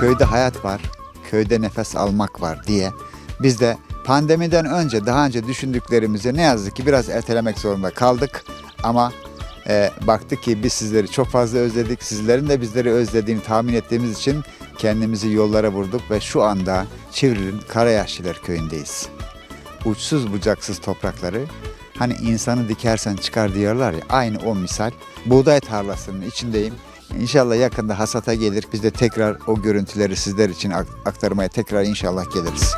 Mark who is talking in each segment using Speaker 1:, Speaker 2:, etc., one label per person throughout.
Speaker 1: köyde hayat var, köyde nefes almak var diye biz de pandemiden önce daha önce düşündüklerimizi ne yazık ki biraz ertelemek zorunda kaldık. Ama baktık ki biz sizleri çok fazla özledik. Sizlerin de bizleri özlediğini tahmin ettiğimiz için kendimizi yollara vurduk ve şu anda Çivril'in Karayaşlılar köyündeyiz. Uçsuz bucaksız toprakları, hani insanı dikersen çıkar diyorlar ya, aynı o misal. Buğday tarlasının içindeyim. İnşallah yakında hasata gelir. Biz de tekrar o görüntüleri sizler için aktarmaya tekrar inşallah geliriz.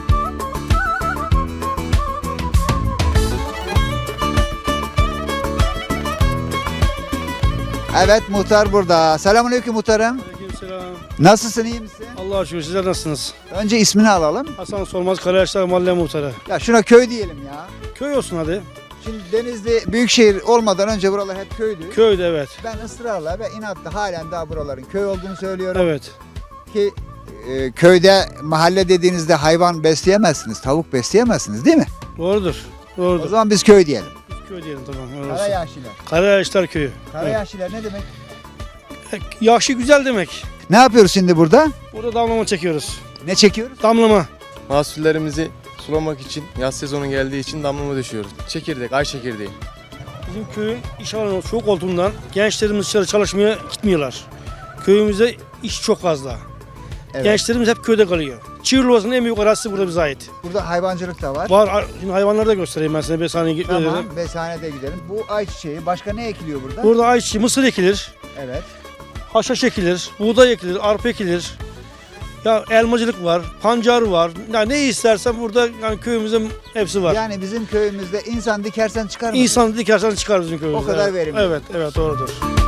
Speaker 1: Evet, muhtar burada. Selamünaleyküm muhtarım.
Speaker 2: Aleykümselam.
Speaker 1: Nasılsın, iyi misin?
Speaker 2: Allah'a şükür, sizler nasılsınız?
Speaker 1: Önce ismini alalım.
Speaker 2: Hasan Solmaz, Karayaşlar Mahalle Muhtarı.
Speaker 1: Ya şuna köy diyelim ya.
Speaker 2: Köy olsun hadi.
Speaker 1: Şimdi Denizli büyükşehir olmadan önce buralar hep köydü.
Speaker 2: Köyde evet.
Speaker 1: Ben ısrarla ve inatla halen daha buraların köy olduğunu söylüyorum.
Speaker 2: Evet.
Speaker 1: Ki köyde mahalle dediğinizde hayvan besleyemezsiniz, tavuk besleyemezsiniz değil mi?
Speaker 2: Doğrudur.
Speaker 1: O
Speaker 2: Doğrudur.
Speaker 1: zaman biz köy diyelim.
Speaker 2: Biz köy diyelim tamam. öyle olsun.
Speaker 1: Karayaşlılar.
Speaker 2: Karayaşlar Köyü.
Speaker 1: Karayaşlılar ne demek?
Speaker 2: Evet. Yaşı güzel demek.
Speaker 1: Ne yapıyoruz şimdi burada?
Speaker 2: Burada damlama çekiyoruz.
Speaker 1: Ne çekiyoruz?
Speaker 2: Damlama.
Speaker 3: Mahsullerimizi sulamak için, yaz sezonu geldiği için damlama düşüyoruz. Çekirdek, ay çekirdeği.
Speaker 2: Bizim köyün iş alanı çok olduğundan gençlerimiz dışarı çalışmaya gitmiyorlar. Köyümüzde iş çok fazla.
Speaker 1: Evet.
Speaker 2: Gençlerimiz hep köyde kalıyor. Çivril Ovası'nın en büyük arazisi burada bize ait.
Speaker 1: Burada hayvancılık da var.
Speaker 2: Var. Şimdi hayvanları da göstereyim ben size. Bir saniye
Speaker 1: Tamam, besanede gidelim. Bu ayçiçeği, başka ne ekiliyor burada?
Speaker 2: Burada ayçiçeği, mısır ekilir.
Speaker 1: Evet.
Speaker 2: Haşhaş ekilir, buğday ekilir, arpa ekilir. Ya elmacılık var, pancar var. Ya ne istersen burada yani köyümüzde hepsi var.
Speaker 1: Yani bizim köyümüzde insan dikersen çıkar mı?
Speaker 2: İnsan dikersen çıkar bizim köyümüzde.
Speaker 1: O kadar
Speaker 2: evet.
Speaker 1: verimli.
Speaker 2: Evet, evet doğrudur.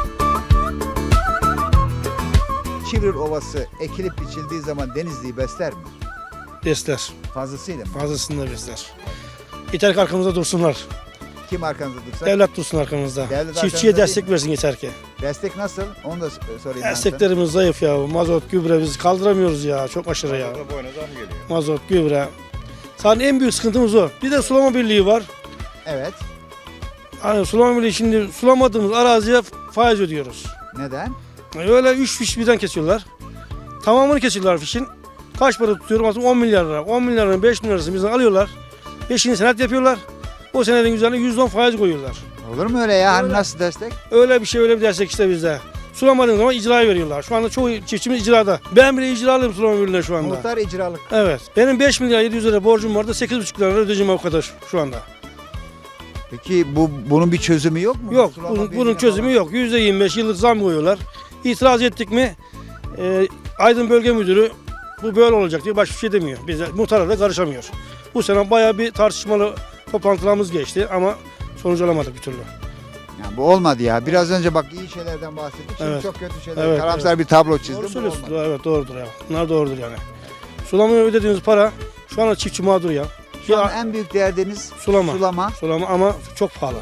Speaker 1: Çivril Ovası ekilip biçildiği zaman Denizli'yi besler mi?
Speaker 2: Besler,
Speaker 1: Fazlasıyla mı?
Speaker 2: fazlasını da besler. Yeter ki arkamızda dursunlar.
Speaker 1: Kim arkanızda dursa?
Speaker 2: Devlet dursun arkamızda.
Speaker 1: Devlet
Speaker 2: Çiftçiye
Speaker 1: arkamızda
Speaker 2: destek versin yeter ki.
Speaker 1: Destek nasıl? Onu da sorayım ben sana.
Speaker 2: Desteklerimiz zayıf ya. Mazot, gübre biz kaldıramıyoruz ya. Çok aşırı ya. Mazot, gübre. Zaten en büyük sıkıntımız o. Bir de sulama birliği var.
Speaker 1: Evet.
Speaker 2: Hani sulama birliği şimdi sulamadığımız araziye faiz ödüyoruz.
Speaker 1: Neden?
Speaker 2: Öyle 3 fiş birden kesiyorlar. Tamamını kesiyorlar fişin. Kaç para tutuyorum? Aslında 10 milyar lira. 10 milyar liranın 5 milyar lirasını bizden alıyorlar. 5'ini senet yapıyorlar. O senedin üzerine %10 faiz koyuyorlar.
Speaker 1: Olur mu öyle ya? Hani
Speaker 2: Öyle.
Speaker 1: nasıl destek?
Speaker 2: Öyle bir şey, öyle bir destek işte bizde. Sulamadığın zaman icraya veriyorlar. Şu anda çoğu çiftçimiz icrada. Ben bile icralıyım sulama birliğine şu anda.
Speaker 1: Muhtar icralık.
Speaker 2: Evet. Benim 5 milyar 700 lira borcum vardı. 8,5 lira ödeyeceğim o kadar şu anda.
Speaker 1: Peki bunun bir çözümü yok mu?
Speaker 2: Yok.
Speaker 1: Sulama
Speaker 2: Bunun
Speaker 1: birliğine
Speaker 2: çözümü
Speaker 1: falan.
Speaker 2: yok. %25 yıllık zam koyuyorlar. İtiraz ettik mi Aydın Bölge Müdürü bu böyle olacak diye başka bir şey demiyor. Biz de muhtara da karışamıyor. Bu sene bayağı bir tartışmalı toplantılarımız geçti ama sonuç alamadık bir türlü.
Speaker 1: Yani bu olmadı ya. Biraz önce bak iyi şeylerden bahsettik. Şimdi
Speaker 2: Evet.
Speaker 1: çok kötü şeyler.
Speaker 2: Evet,
Speaker 1: Karamsar bir tablo çizdim.
Speaker 2: Doğru
Speaker 1: Bu
Speaker 2: söylüyorsun.
Speaker 1: olmadı.
Speaker 2: Evet doğrudur ya. Bunlar doğrudur yani. Sulamaya ödediğimiz para şu anda çiftçi mağdur ya.
Speaker 1: Şu an
Speaker 2: Ya,
Speaker 1: en büyük derdiniz
Speaker 2: sulama. Sulama ama çok pahalı.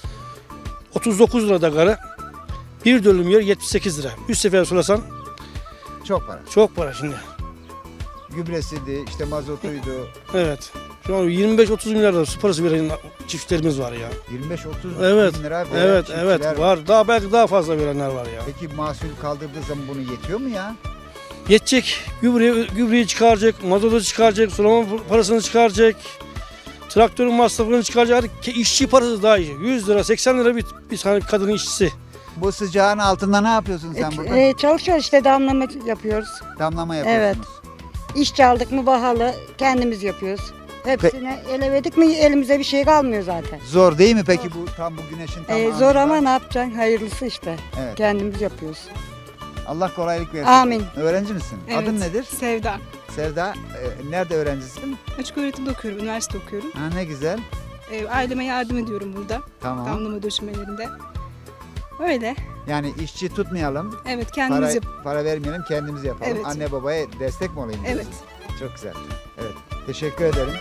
Speaker 2: 39 lira da karı. Bir dönüm yer 78 lira. 3 sefer sulasan
Speaker 1: Çok para.
Speaker 2: çok para şimdi.
Speaker 1: Gübresiydi, işte mazotuydu.
Speaker 2: Evet. Şu an 25-30 milyar lira su parası veren çiftçilerimiz var ya.
Speaker 1: 25-30
Speaker 2: Evet.
Speaker 1: bin lira veren
Speaker 2: Evet,
Speaker 1: çiftçiler
Speaker 2: evet var. Daha belki daha fazla verenler var ya.
Speaker 1: Peki mahsul kaldırdığı zaman bunu yetiyor mu ya?
Speaker 2: Yetecek. Gübreyi çıkaracak, mazotu çıkaracak, sulama parasını çıkaracak. Traktörün masrafını çıkaracak. İşçi parası daha iyi. 100 lira, 80 lira bir tane kadının işçisi.
Speaker 1: Bu sıcağın altında ne yapıyorsun sen burada?
Speaker 4: Çalışıyoruz işte damlama yapıyoruz.
Speaker 1: Damlama yapıyorsunuz.
Speaker 4: İş çaldık mı bahalı kendimiz yapıyoruz. Hepsini ele verdik mi elimize bir şey kalmıyor zaten.
Speaker 1: Zor değil mi peki bu tam bu güneşin tam
Speaker 4: Zor
Speaker 1: anında?
Speaker 4: ama ne yapacaksın? Hayırlısı işte.
Speaker 1: Evet.
Speaker 4: Kendimiz yapıyoruz.
Speaker 1: Allah kolaylık versin.
Speaker 4: Amin.
Speaker 1: Öğrenci misin?
Speaker 5: Evet.
Speaker 1: Adın nedir?
Speaker 5: Sevda.
Speaker 1: Sevda. Nerede öğrencisin?
Speaker 5: Açık öğretimde okuyorum, üniversite okuyorum.
Speaker 1: Ha, ne güzel.
Speaker 5: Aileme yardım ediyorum burada,
Speaker 1: Tamam.
Speaker 5: damlama döşemelerinde. Öyle.
Speaker 1: Yani işçi tutmayalım.
Speaker 5: Evet, kendimiz
Speaker 1: Para vermeyelim, kendimiz yapalım.
Speaker 5: Evet.
Speaker 1: Anne babaya destek mi olayım?
Speaker 5: Evet.
Speaker 1: diyorsun? Çok güzel. Evet. Teşekkür ederim.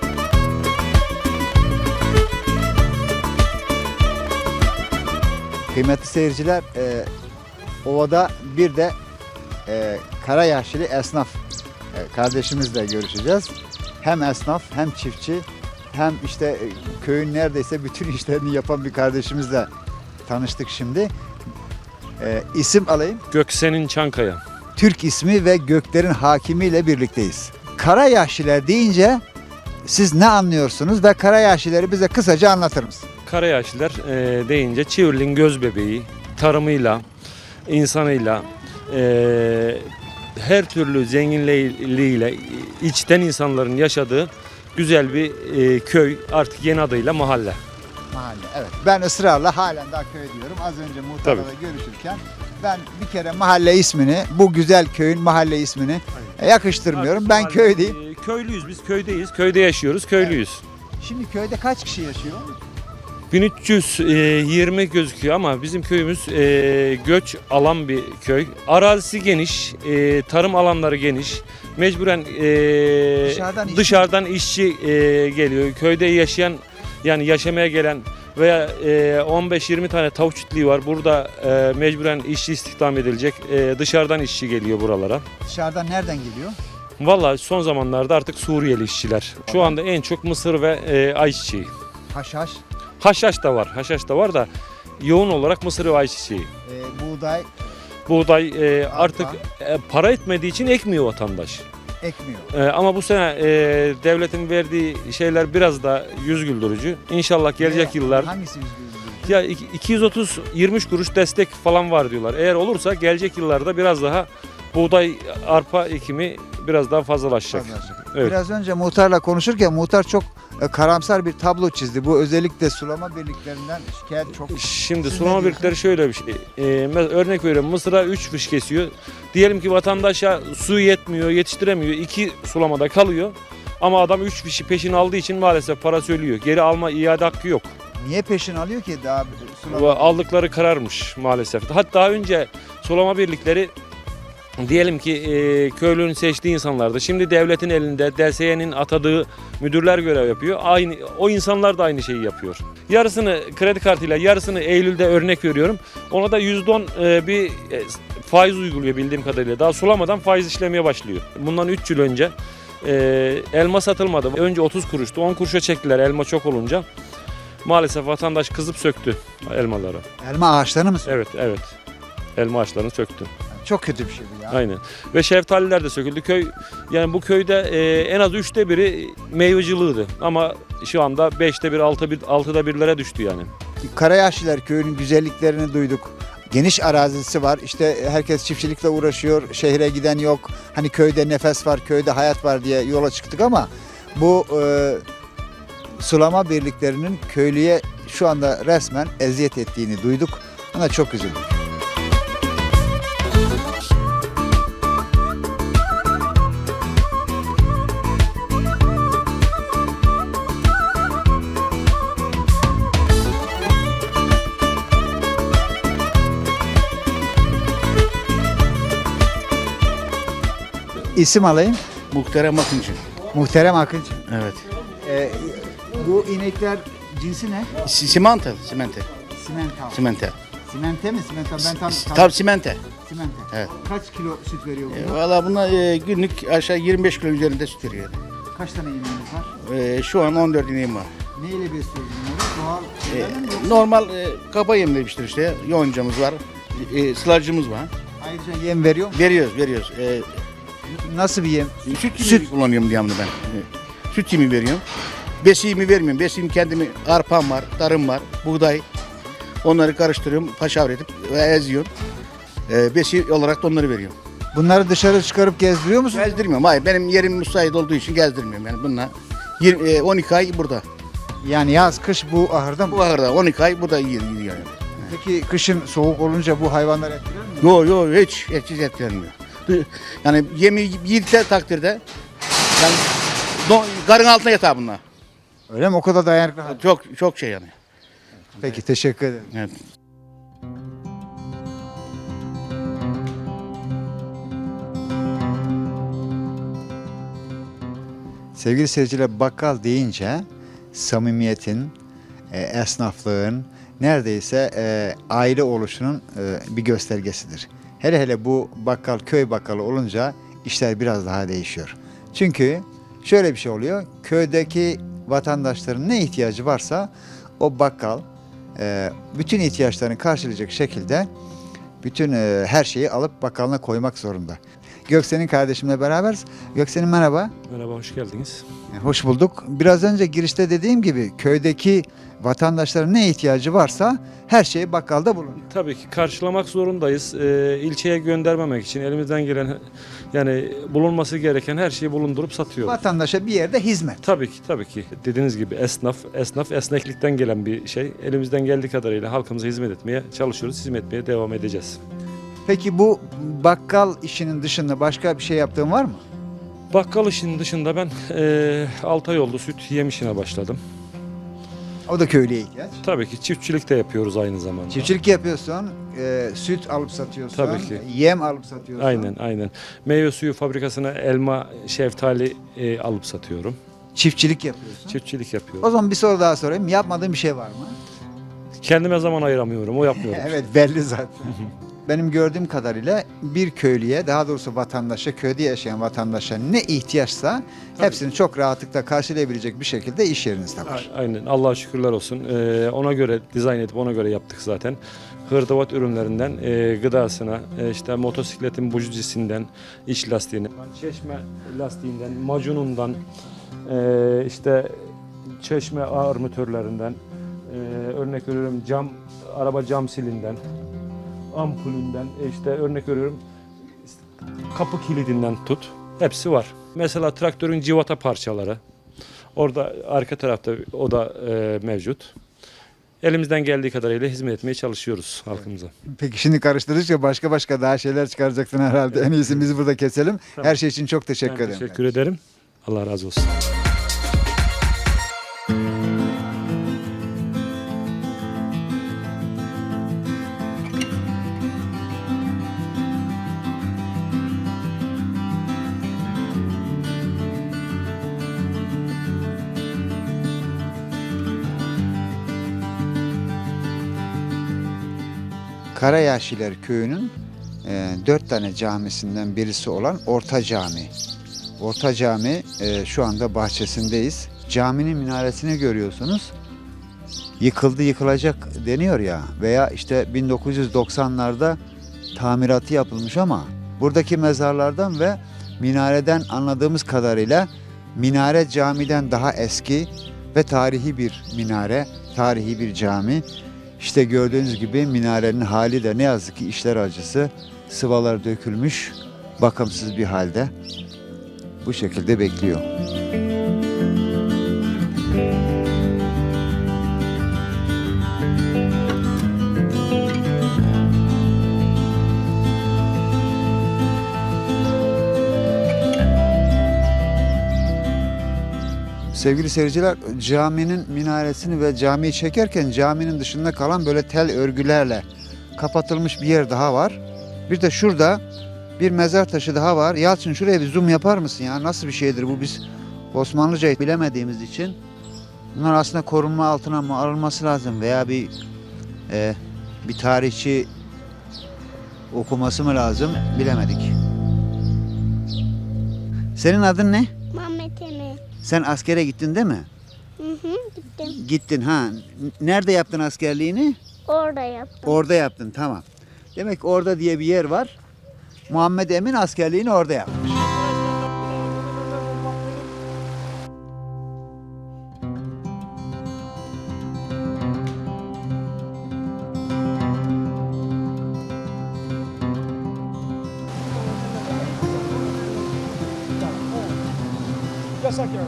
Speaker 1: Kıymetli seyirciler, ovada bir de Karayaşlı esnaf kardeşimizle görüşeceğiz. Hem esnaf hem çiftçi hem işte köyün neredeyse bütün işlerini yapan bir kardeşimizle tanıştık şimdi. İsim alayım.
Speaker 6: Göksen'in Çankaya.
Speaker 1: Türk ismi ve göklerin hakimiyle birlikteyiz. Karayaşiler deyince siz ne anlıyorsunuz ve Karayaşileri bize kısaca anlatır mısınız?
Speaker 6: Karayaşlılar deyince Çivrili'nin göz bebeği, tarımıyla, insanıyla, her türlü zenginliğiyle içten insanların yaşadığı güzel bir köy, artık yeni adıyla mahalle.
Speaker 1: Mahalle, evet. Ben ısrarla halen daha köy diyorum. Az önce muhtarla da görüşürken ben bir kere mahalle ismini, bu güzel köyün mahalle ismini yakıştırmıyorum. Ben köy diyeyim.
Speaker 6: Köylüyüz, biz köydeyiz, köyde yaşıyoruz, köylüyüz.
Speaker 1: Şimdi köyde kaç kişi yaşıyor?
Speaker 6: 1320 gözüküyor ama bizim köyümüz göç alan bir köy. Arazisi geniş, tarım alanları geniş. Mecburen dışarıdan işçi geliyor. Köyde yaşayan, yani yaşamaya gelen veya 15-20 tane tavuk çiftliği var. Burada mecburen işçi istihdam edilecek. Dışarıdan işçi geliyor buralara.
Speaker 1: Dışarıdan nereden geliyor?
Speaker 6: Vallahi son zamanlarda artık Suriyeli işçiler. Şu anda en çok mısır ve ayçiçeği.
Speaker 1: Haşhaş,
Speaker 6: Haşhaş da var. Haşhaş da var da yoğun olarak mısır ve ayçiçeği.
Speaker 1: buğday
Speaker 6: Buğday artık para etmediği için ekmiyor vatandaş.
Speaker 1: ekmiyor.
Speaker 6: Ama bu sene devletin verdiği şeyler biraz da yüz güldürücü. İnşallah gelecek yıllar
Speaker 1: Hangisi %100?
Speaker 6: ya 230-23 kuruş destek falan var diyorlar. Eğer olursa gelecek yıllarda biraz daha buğday, arpa ekimi biraz daha fazlalaşacak. Evet.
Speaker 1: Biraz önce muhtarla konuşurken muhtar çok karamsar bir tablo çizdi. Bu özellikle sulama birliklerinden şikayet çok.
Speaker 6: Şimdi
Speaker 1: Siz ne
Speaker 6: sulama
Speaker 1: diyorsunuz?
Speaker 6: birlikleri şöyle bir şey. Örnek veriyorum, mısıra 3 fış kesiyor. Diyelim ki vatandaşa su yetmiyor, yetiştiremiyor. 2 sulamada kalıyor. Ama adam 3 fişi peşin aldığı için maalesef parası ölüyor. Geri alma iade hakkı yok.
Speaker 1: Niye peşin alıyor ki daha sulama?
Speaker 6: Aldıkları kararmış maalesef. Hatta önce sulama birlikleri diyelim ki köylünün seçtiği insanlardı. Şimdi devletin elinde DSY'nin atadığı müdürler görev yapıyor. Aynı o insanlar da aynı şeyi yapıyor. Yarısını kredi kartıyla, yarısını Eylül'de örnek veriyorum. Ona da %10 bir faiz uyguluyor bildiğim kadarıyla. Daha sulamadan faiz işlemeye başlıyor. Bundan 3 yıl önce elma satılmadı. Önce 30 kuruştu. 10 kuruşa çektiler elma çok olunca. Maalesef vatandaş kızıp söktü elmaları.
Speaker 1: Elma ağaçlarını mı söylüyor?
Speaker 6: Evet. Elma ağaçlarını söktü.
Speaker 1: Çok kötü bir şey bu ya.
Speaker 6: Aynen. Ve şeftaliler de söküldü. Yani bu köyde en az 3'te biri meyveciliğiydi. Ama şu anda 5'te 1, 6'da 1'lere düştü yani.
Speaker 1: Karayaşlılar köyünün güzelliklerini duyduk. Geniş arazisi var. İşte herkes çiftçilikle uğraşıyor. Şehre giden yok. Hani köyde nefes var, köyde hayat var diye yola çıktık ama bu sulama birliklerinin köylüye şu anda resmen eziyet ettiğini duyduk. Ona çok üzüldük. İsim alayım.
Speaker 7: Muhterem Akıncı.
Speaker 1: Muhterem Akıncı.
Speaker 7: Evet.
Speaker 1: Bu inekler cinsi ne?
Speaker 7: Simente.
Speaker 1: Simental.
Speaker 7: Simente.
Speaker 1: Simente mi? Simental. Ben tam
Speaker 7: Tabii simente.
Speaker 1: simente.
Speaker 7: Evet.
Speaker 1: Kaç kilo süt veriyor bunlar?
Speaker 7: Valla bunlar günlük aşağı 25 kilo üzerinde süt veriyor.
Speaker 1: Kaç tane ineğiniz var?
Speaker 7: Şu an 14 ineğim var.
Speaker 1: Neyle besliyoruz bunları? Doğal şeylerle mi yoksa
Speaker 7: Normal kaba yem demiştir işte. Yoncamız var. Sılacımız var.
Speaker 1: ayrıca yem veriyor mu?
Speaker 7: Veriyoruz.
Speaker 1: Nasıl bir yem?
Speaker 7: Süt yemi kullanıyorum devamlı ben. Süt yemi veriyorum. Besiğimi vermiyorum. Besiğim kendimi arpam var, tarım var, buğday. Onları karıştırıyorum, paşavra edip ve eziyorum. Besi olarak da onları veriyorum.
Speaker 1: Bunları dışarı çıkarıp gezdiriyor musun?
Speaker 7: Gezdirmiyorum. Hayır, benim yerim müsait olduğu için gezdirmiyorum. Yani bunlar 12 ay burada.
Speaker 1: Yani yaz, kış bu ahırda mı?
Speaker 7: Bu ahırda 12 ay burada yiyor yani.
Speaker 1: Peki kışın soğuk olunca bu hayvanlar etkiler mi?
Speaker 7: Yok hiç etkilenmiyor. Yani yemi yedikleri takdirde yani karın altına yatar bunlar.
Speaker 1: Öyle mi? O kadar dayanıklı.
Speaker 7: Çok şey yani.
Speaker 1: Peki teşekkür ederim.
Speaker 7: Evet.
Speaker 1: Sevgili seyirciler, bakkal deyince samimiyetin, esnaflığın, neredeyse aile oluşunun bir göstergesidir. Hele bu bakkal köy bakkalı olunca işler biraz daha değişiyor. Çünkü şöyle bir şey oluyor. Köydeki vatandaşların ne ihtiyacı varsa o bakkal bütün ihtiyaçlarını karşılayacak şekilde bütün her şeyi alıp bakkalına koymak zorunda. Göksen'in kardeşimle beraberiz. Göksen'in merhaba.
Speaker 6: Merhaba, hoş geldiniz.
Speaker 1: Hoş bulduk. Biraz önce girişte dediğim gibi köydeki vatandaşların ne ihtiyacı varsa her şey bakkalda bulunuyor.
Speaker 6: Tabii ki karşılamak zorundayız. İlçeye göndermemek için elimizden gelen yani bulunması gereken her şeyi bulundurup satıyoruz.
Speaker 1: Vatandaşa bir yerde hizmet.
Speaker 6: Tabii ki. Dediğiniz gibi esnaf esneklikten gelen bir şey. Elimizden geldiği kadarıyla halkımıza hizmet etmeye çalışıyoruz. Hizmet etmeye devam edeceğiz.
Speaker 1: Peki bu bakkal işinin dışında başka bir şey yaptığın var mı?
Speaker 6: Bakkal işinin dışında ben 6 ay oldu süt yem işine başladım.
Speaker 1: O da köylüye ihtiyaç.
Speaker 6: Tabii ki çiftçilik de yapıyoruz aynı zamanda.
Speaker 1: Çiftçilik yapıyorsun, süt alıp satıyorsun,
Speaker 6: Tabii ki.
Speaker 1: yem alıp satıyorsun.
Speaker 6: Aynen. Meyve suyu fabrikasına elma, şeftali alıp satıyorum.
Speaker 1: Çiftçilik yapıyorsun.
Speaker 6: Çiftçilik
Speaker 1: O
Speaker 6: yapıyorum.
Speaker 1: zaman bir soru daha sorayım. Yapmadığın bir şey var mı?
Speaker 6: Kendime zaman ayıramıyorum, o yapmıyorum.
Speaker 1: Evet, belli zaten. Benim gördüğüm kadarıyla bir köylüye, daha doğrusu vatandaşa, köyde yaşayan vatandaşa ne ihtiyaçsa hepsini çok rahatlıkla karşılayabilecek bir şekilde iş yerinizde var.
Speaker 6: Aynen. Allah'a şükürler olsun. Ona göre dizayn edip ona göre yaptık zaten. Hırdavat ürünlerinden gıdasına, işte motosikletin bujicisinden, iç lastiğine, çeşme lastiğinden, macunundan, işte çeşme armatörlerinden, örnek veriyorum araba cam silinden, ampulünden, işte örnek veriyorum kapı kilidinden tut. Hepsi var. Mesela traktörün civata parçaları. Orada arka tarafta o da mevcut. Elimizden geldiği kadarıyla hizmet etmeye çalışıyoruz halkımıza.
Speaker 1: Peki şimdi karıştırdıkça başka daha şeyler çıkaracaksın herhalde. En iyisi biz burada keselim. Her şey için çok teşekkür
Speaker 6: Ben
Speaker 1: ederim.
Speaker 6: teşekkür ederim. Allah razı olsun.
Speaker 1: Karayaşiler köyünün 4 tane camisinden birisi olan Orta Cami. Orta Cami şu anda bahçesindeyiz. Caminin minaresini görüyorsunuz. Yıkıldı yıkılacak deniyor ya veya işte 1990'larda tamiratı yapılmış ama buradaki mezarlardan ve minareden anladığımız kadarıyla minare camiden daha eski ve tarihi bir minare, tarihi bir cami. İşte gördüğünüz gibi minarenin hali de ne yazık ki işler acısı. Sıvalar dökülmüş, bakımsız bir halde. Bu şekilde bekliyor. Sevgili seyirciler, caminin minaresini ve camiyi çekerken caminin dışında kalan böyle tel örgülerle kapatılmış bir yer daha var. Bir de şurada bir mezar taşı daha var. Yalçın şuraya bir zoom yapar mısın ya? Nasıl bir şeydir bu, biz Osmanlıca bilemediğimiz için. Bunlar aslında korunma altına mı alınması lazım veya bir tarihçi okuması mı lazım bilemedik. Senin adın ne?
Speaker 8: Mehmet Emin.
Speaker 1: Sen askere gittin değil mi?
Speaker 8: Gittim.
Speaker 1: Gittin ha. Nerede yaptın askerliğini?
Speaker 8: Orada yaptım.
Speaker 1: Orada yaptın, tamam. Demek orada diye bir yer var. Muhammed Emin askerliğini orada yapmış.
Speaker 2: Yasak yani.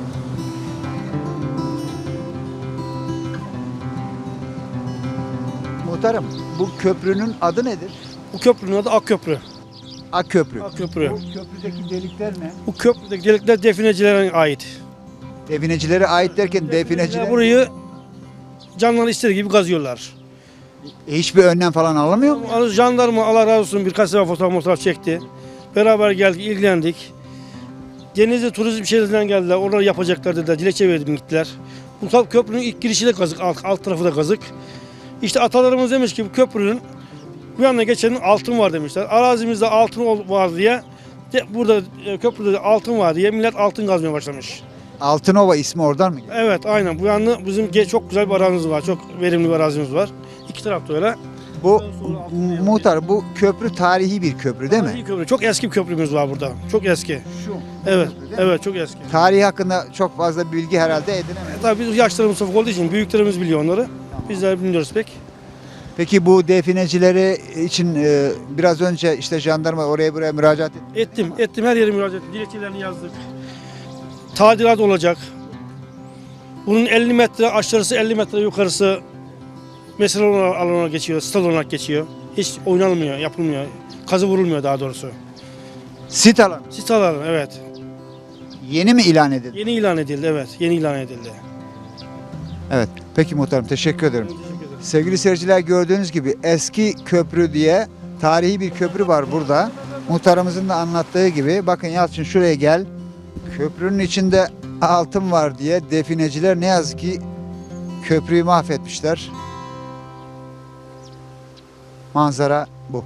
Speaker 1: Muhtarım, bu köprünün adı nedir?
Speaker 2: Bu köprünün adı Akköprü.
Speaker 1: Akköprü.
Speaker 2: Akköprü.
Speaker 1: Bu köprüdeki delikler ne?
Speaker 2: Bu köprüdeki delikler definecilere ait.
Speaker 1: Definecilere ait derken defineciler
Speaker 2: Burayı canları istediği gibi kazıyorlar.
Speaker 1: hiçbir önlem falan alamıyor mu?
Speaker 2: Jandarma Allah razı olsun birkaç sefer fotoğraf çekti. Beraber geldik, ilgilendik. Denizli turizm şehrinden geldiler. Oraları yapacaklar dediler. Dilekçe verdim gittiler. Bu köprünün ilk girişi de kazık, alt tarafı da kazık. İşte atalarımız demiş ki bu köprünün bu yana geçenin altın var demişler. Arazimizde altın var diye burada köprüde de altın var diye millet altın kazmaya başlamış.
Speaker 1: Altınova ismi oradan mı geliyor?
Speaker 2: Evet aynen bu yana bizim çok güzel bir arazimiz var. Çok verimli bir arazimiz var. İki tarafta öyle.
Speaker 1: Bu
Speaker 2: Sonra altında
Speaker 1: muhtar, bu köprü tarihi bir köprü değil mi?
Speaker 2: Tarihi köprü. Çok eski bir köprümüz var burada. Çok eski.
Speaker 1: Şu.
Speaker 2: Evet. Evet, çok eski.
Speaker 1: Tarihi hakkında çok fazla bilgi herhalde edinemedik.
Speaker 2: Tabii biz yaşlarımız ufak olduğu için büyüklerimiz biliyor onları. Bizler bilmiyoruz pek.
Speaker 1: Peki bu definecileri için biraz önce işte jandarma oraya buraya müracaat etti.
Speaker 2: Ettim her yere müracaat ettim. Dilekçelerini yazdık. Tadilat olacak. Bunun 50 metre aşağısı 50 metre yukarısı mesele alanına geçiyor, stad olarak geçiyor. Hiç oynanmıyor, yapılmıyor. Kazı vurulmuyor daha doğrusu.
Speaker 1: Sit alanı.
Speaker 2: Sit alanı, evet.
Speaker 1: Yeni mi ilan edildi?
Speaker 2: Yeni ilan edildi, evet. Yeni ilan edildi.
Speaker 1: Evet. Peki muhtarım, teşekkür ederim.
Speaker 2: Teşekkür ederim.
Speaker 1: Sevgili seyirciler, gördüğünüz gibi eski köprü diye tarihi bir köprü var burada. Muhtarımızın da anlattığı gibi, bakın Yalçın şuraya gel. Köprünün içinde altın var diye defineciler ne yazık ki köprüyü mahvetmişler. Manzara bu.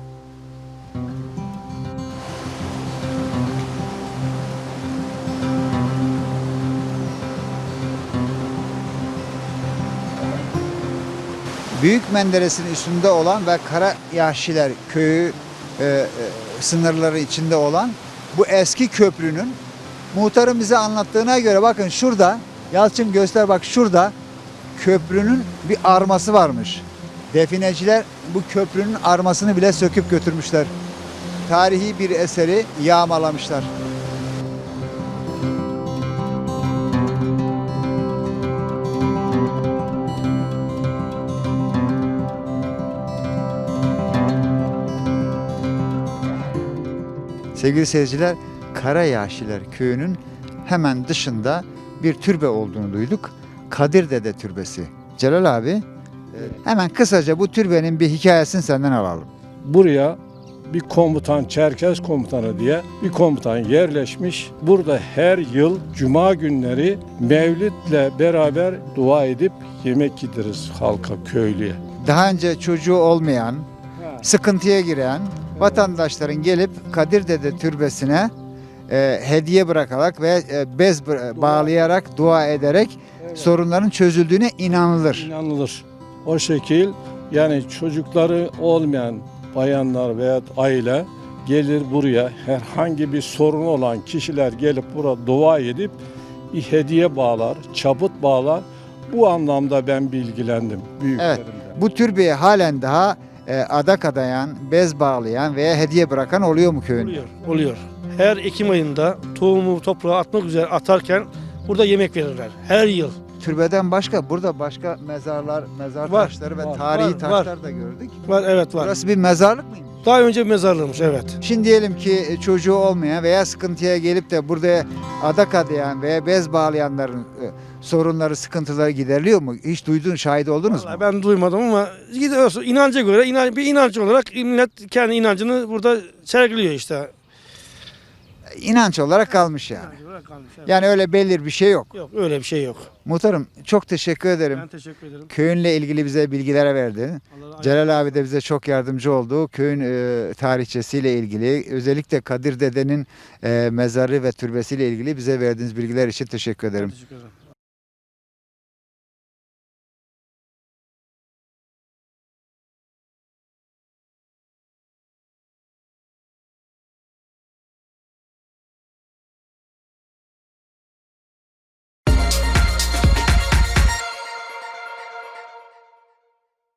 Speaker 1: Büyük Menderes'in üstünde olan ve Karayahşiler köyü sınırları içinde olan bu eski köprünün muhtarın bize anlattığına göre, bakın şurada, Yalçın göster, bak şurada köprünün bir arması varmış. Defineciler bu köprünün armasını bile söküp götürmüşler. Tarihi bir eseri yağmalamışlar. Sevgili seyirciler, Karayahşiler köyünün hemen dışında bir türbe olduğunu duyduk. Kadir Dede Türbesi. Celal abi, hemen kısaca bu türbenin bir hikayesini senden alalım.
Speaker 9: Buraya bir komutan, Çerkez komutanı diye bir komutan yerleşmiş. Burada her yıl cuma günleri mevlidle beraber dua edip yemek yediririz halka, köylüye.
Speaker 1: Daha önce çocuğu olmayan, sıkıntıya giren vatandaşların gelip Kadir Dede Türbesi'ne hediye bırakarak ve bez bağlayarak, dua ederek sorunların çözüldüğüne inanılır.
Speaker 9: İnanılır. O şekil, yani çocukları olmayan bayanlar veya aile gelir buraya, herhangi bir sorun olan kişiler gelip burada dua edip bir hediye bağlar, çaput bağlar. Bu anlamda ben bilgilendim büyüklerimden.
Speaker 1: Bu türbeye halen daha adak adayan, bez bağlayan veya hediye bırakan oluyor mu köyünde?
Speaker 2: Oluyor. Her Ekim ayında tohumu toprağa atmak üzere atarken burada yemek verirler. Her yıl.
Speaker 1: Türbeden başka, burada başka mezarlar, mezar
Speaker 2: Var,
Speaker 1: taşları ve
Speaker 9: var,
Speaker 1: tarihi
Speaker 2: var,
Speaker 1: taşlar da gördük.
Speaker 2: Var, evet var.
Speaker 1: Burası bir mezarlık mıymış?
Speaker 2: Daha önce bir mezarlığımız, evet.
Speaker 1: Şimdi diyelim ki çocuğu olmayan veya sıkıntıya gelip de burada adak adayan veya bez bağlayanların sorunları, sıkıntıları gideriliyor mu? Hiç duydun, şahit oldunuz mu?
Speaker 2: Vallahi ben duymadım ama gidiyorsun inanca göre bir inanç olarak millet kendi inancını burada sergiliyor işte.
Speaker 1: İnanç olarak kalmış yani.
Speaker 2: İnanç olarak kalmış, evet.
Speaker 1: Yani öyle belli bir şey yok.
Speaker 2: Yok, öyle bir şey yok.
Speaker 1: Muhtarım, çok teşekkür ederim.
Speaker 2: Ben teşekkür ederim.
Speaker 1: Köyünle ilgili bize bilgiler verdi.
Speaker 2: Allah
Speaker 1: Celal abi de bize çok yardımcı oldu. Köyün tarihçesiyle ilgili, özellikle Kadir Dede'nin mezarı ve türbesiyle ilgili bize verdiğiniz bilgiler için teşekkür ederim.
Speaker 2: teşekkür ederim.